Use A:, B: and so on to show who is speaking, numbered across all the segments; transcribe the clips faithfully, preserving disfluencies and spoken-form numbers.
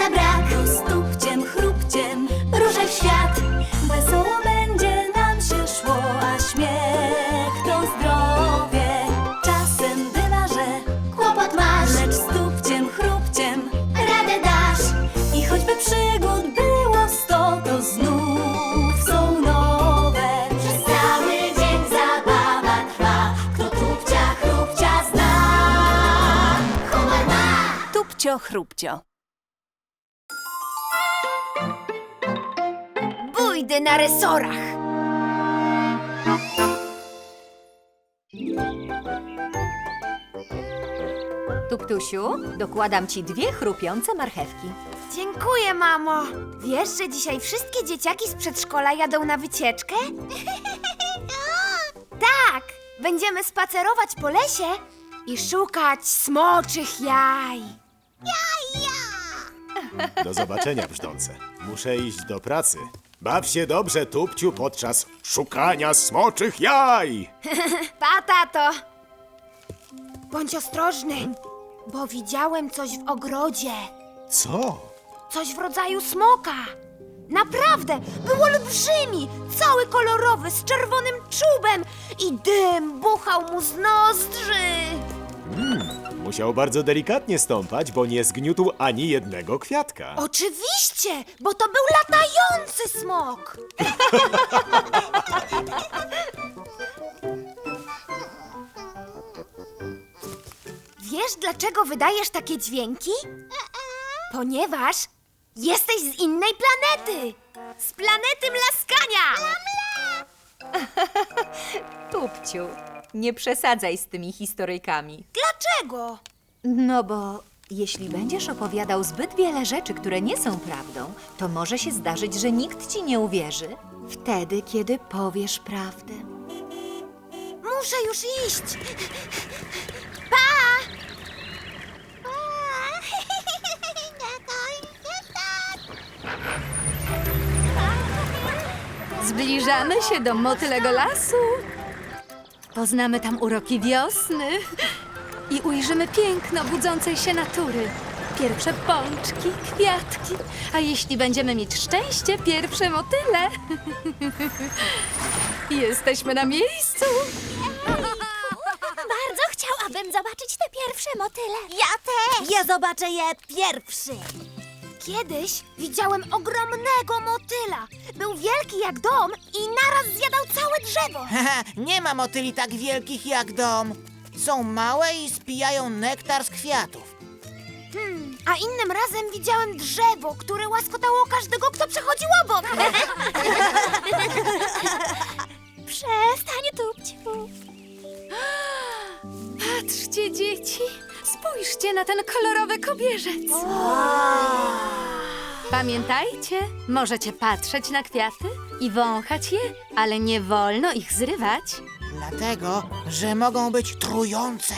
A: na brak. Tu stupciem, chrupciem ruszaj w świat. Wesoło będzie nam się szło, a śmiech to zdrowie. Czasem bywa, że kłopot masz, lecz stupciem, chrupciem radę dasz. I choćby przygód było sto, to znów są nowe. Przez cały dzień zabawa trwa. Kto tupcia, chrupcia zna, humor ma.
B: Tupcio, chrupcio.
C: Bójdy na resorach.
B: Tuptusiu, dokładam ci dwie chrupiące marchewki.
C: Dziękuję, mamo. Wiesz, że dzisiaj wszystkie dzieciaki z przedszkola jadą na wycieczkę? Tak! Będziemy spacerować po lesie i szukać smoczych jaj.
D: Do zobaczenia, brzdące. Muszę iść do pracy. Baw się dobrze, Tupciu, podczas szukania smoczych jaj!
C: Pa, tato! Bądź ostrożny, bo widziałem coś w ogrodzie.
D: Co?
C: Coś w rodzaju smoka. Naprawdę, był olbrzymi, cały kolorowy, z czerwonym czubem i dym buchał mu z nozdrzy.
D: Musiał bardzo delikatnie stąpać, bo nie zgniótł ani jednego kwiatka.
C: Oczywiście, bo to był latający smok. Wiesz, dlaczego wydajesz takie dźwięki? Ponieważ jesteś z innej planety. Z planety Mlaskania.
B: Tupciu, nie przesadzaj z tymi historyjkami.
C: Dlaczego?
B: No bo jeśli będziesz opowiadał zbyt wiele rzeczy, które nie są prawdą, to może się zdarzyć, że nikt ci nie uwierzy wtedy, kiedy powiesz prawdę.
C: Muszę już iść. Pa!
B: Zbliżamy się do motylego lasu. Poznamy tam uroki wiosny i ujrzymy piękno budzącej się natury. Pierwsze pączki, kwiatki, a jeśli będziemy mieć szczęście, pierwsze motyle. Jesteśmy na miejscu.
A: Bardzo chciałabym zobaczyć te pierwsze motyle. Ja też. Ja zobaczę je pierwszy.
C: Kiedyś widziałem ogromnego motyla. Był wielki jak dom i naraz zjadał całe drzewo.
E: Haha, nie ma motyli tak wielkich jak dom. Są małe i spijają nektar z kwiatów.
C: Hmm, a innym razem widziałem drzewo, które łaskotało każdego, kto przechodził obok.
A: Przestań, Tupciu.
B: Patrzcie, dzieci, spójrzcie na ten kolorowy kobierzec. Pamiętajcie, możecie patrzeć na kwiaty i wąchać je, ale nie wolno ich zrywać.
E: Dlatego, że mogą być trujące.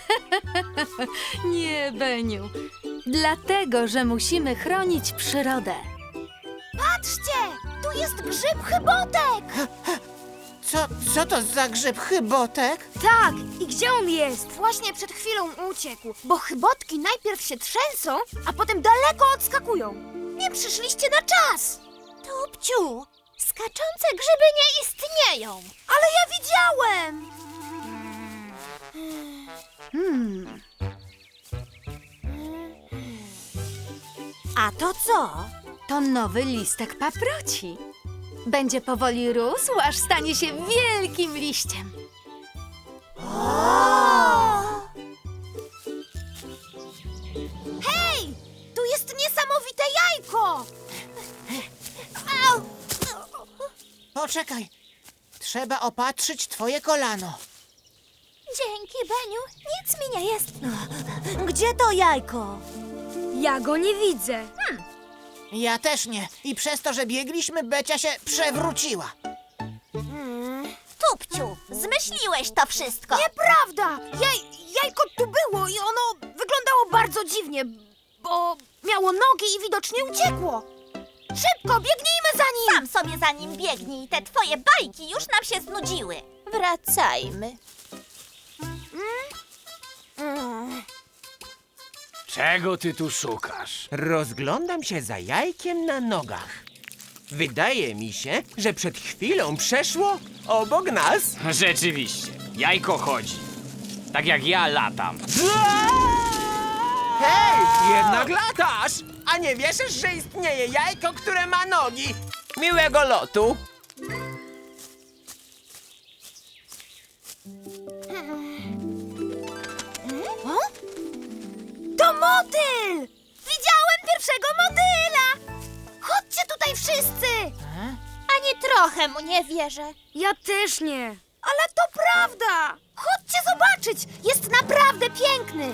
B: Nie, Beniu. Dlatego, że musimy chronić przyrodę.
C: Patrzcie, tu jest grzyb chybotek.
E: Co, co to za grzyb chybotek?
C: Tak, i gdzie on jest? Właśnie przed chwilą uciekł, bo chybotki najpierw się trzęsą, a potem daleko odskakują. Nie przyszliście na czas.
A: Tupciu, skaczące grzyby nie istnieją.
C: Ale ja widziałem.
B: Hmm,
A: A to co?
B: to nowy listek paproci. Będzie powoli rósł, aż stanie się wielkim liściem.
C: Hej, tu jest niesamowite jajko. Au!
E: Poczekaj, trzeba opatrzyć twoje kolano.
A: Dzięki, Beniu. Nic mi nie jest. Gdzie to jajko?
C: Ja go nie widzę.
E: Ja też nie. I przez to, że biegliśmy, Becia się przewróciła.
A: Tupciu, zmyśliłeś to wszystko.
C: Nieprawda! Jaj, jajko tu było i ono wyglądało bardzo dziwnie, bo miało nogi i widocznie uciekło. Szybko, biegnijmy za nim!
A: Sam sobie za nim biegnij. Te twoje bajki już nam się znudziły. Wracajmy.
F: Czego ty tu szukasz?
G: Rozglądam się za jajkiem na nogach. Wydaje mi się, że przed chwilą przeszło obok nas.
F: Rzeczywiście, jajko chodzi. Tak jak ja latam.
G: Hej, jednak latasz! A nie wierzysz, że istnieje jajko, które ma nogi? Miłego lotu!
C: To motyl! Widziałem pierwszego motyla! Chodźcie tutaj wszyscy!
H: Ani trochę mu nie wierzę.
C: Ja też nie. Ale to prawda! Chodźcie zobaczyć! Jest naprawdę piękny!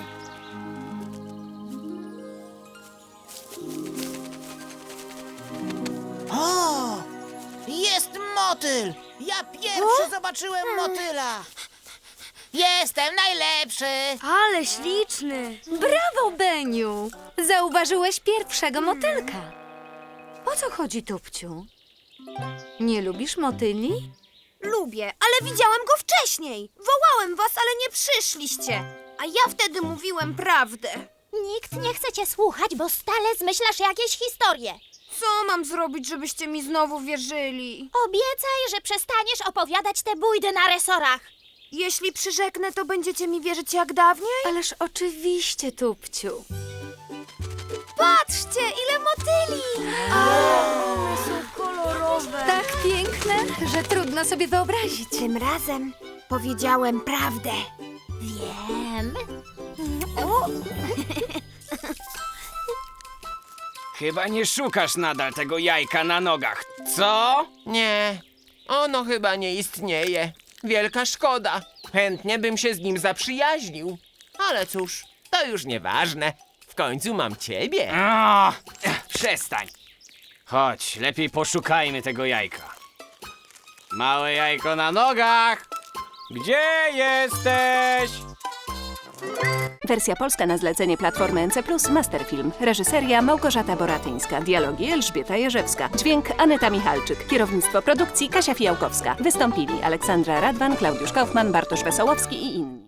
E: O! Jest motyl! Ja pierwszy zobaczyłem motyla! Jestem najlepszy!
C: Ale śliczny!
B: Brawo, Beniu! Zauważyłeś pierwszego motylka. O co chodzi, Tupciu? Nie lubisz motyli?
C: Lubię, ale widziałem go wcześniej. Wołałem was, ale nie przyszliście. A ja wtedy mówiłem prawdę.
H: Nikt nie chce cię słuchać, bo stale zmyślasz jakieś historie.
C: Co mam zrobić, żebyście mi znowu wierzyli?
H: Obiecaj, że przestaniesz opowiadać te bójdy na resorach.
C: Jeśli przyrzeknę, to będziecie mi wierzyć jak dawniej?
B: Ależ oczywiście, Tupciu.
C: Patrzcie, ile motyli! One są kolorowe.
B: Tak piękne, że trudno sobie wyobrazić.
C: Tym razem powiedziałem prawdę.
H: Wiem.
F: Chyba nie szukasz nadal tego jajka na nogach, co?
G: Nie, ono chyba nie istnieje. Wielka szkoda. Chętnie bym się z nim zaprzyjaźnił. Ale cóż, to już nieważne. W końcu mam ciebie.
F: O, przestań. Chodź, lepiej poszukajmy tego jajka. Małe jajko na nogach! Gdzie jesteś?
I: Wersja polska na zlecenie Platformy N C plus, Masterfilm. Reżyseria Małgorzata Boratyńska. Dialogi Elżbieta Jerzewska. Dźwięk Aneta Michalczyk. Kierownictwo produkcji Kasia Fijałkowska. Wystąpili Aleksandra Radwan, Klaudiusz Kaufman, Bartosz Wesołowski i inni.